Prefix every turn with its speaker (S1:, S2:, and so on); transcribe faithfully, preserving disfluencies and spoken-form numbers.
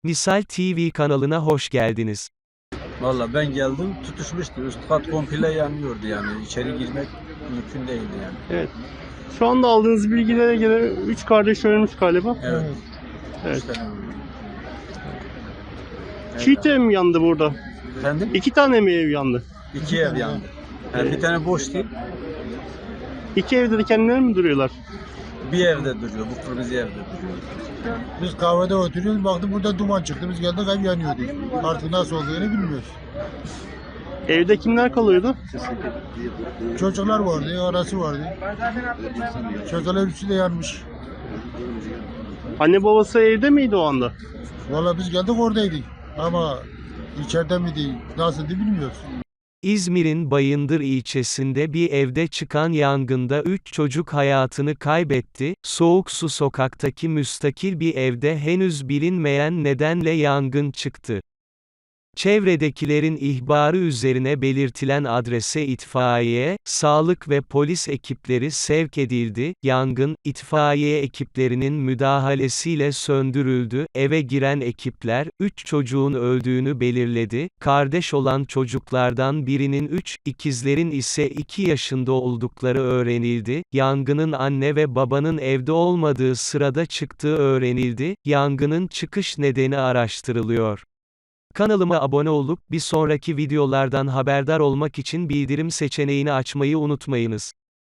S1: Misal T V kanalına hoş geldiniz.
S2: Valla ben geldim, tutuşmuştu. Üst kat komple yanıyordu yani. İçeri girmek mümkün değildi yani.
S3: Evet. Şu anda aldığınız bilgilere göre üç kardeş ölmüş galiba.
S2: Evet.
S3: Evet.
S2: İşte,
S3: Çiğ ev mi yandı burada?
S2: efendim?
S3: İki tane mi ev yandı?
S2: İki ev yandı. Yani bir tane boş değil,
S3: İki evde de kendileri mi duruyorlar?
S2: bir evde duruyor. Bu kırmızı evde duruyor.
S4: Biz kahvede oturuyoruz, baktık burada duman çıktı. Biz geldik ev yanıyordu. Artık nasıl olduğunu bilmiyoruz.
S3: Evde kimler kalıyordu?
S4: Çocuklar vardı, arası vardı. Çocuklar üçü de yanmış.
S3: Anne babası evde miydi o anda?
S4: Valla biz geldik oradaydık. Ama içeride miydi, nasıldı bilmiyoruz.
S1: İzmir'in Bayındır ilçesinde bir evde çıkan yangında üç çocuk hayatını kaybetti. Soğuksu sokaktaki müstakil bir evde henüz bilinmeyen nedenle yangın çıktı. Çevredekilerin ihbarı üzerine belirtilen adrese itfaiye, sağlık ve polis ekipleri sevk edildi. Yangın, itfaiye ekiplerinin müdahalesiyle söndürüldü. Eve giren ekipler, üç çocuğun öldüğünü belirledi. Kardeş olan çocuklardan birinin üç, ikizlerin ise iki yaşında oldukları öğrenildi. Yangının anne ve babanın evde olmadığı sırada çıktığı öğrenildi. Yangının çıkış nedeni araştırılıyor. Kanalıma abone olup bir sonraki videolardan haberdar olmak için bildirim seçeneğini açmayı unutmayınız.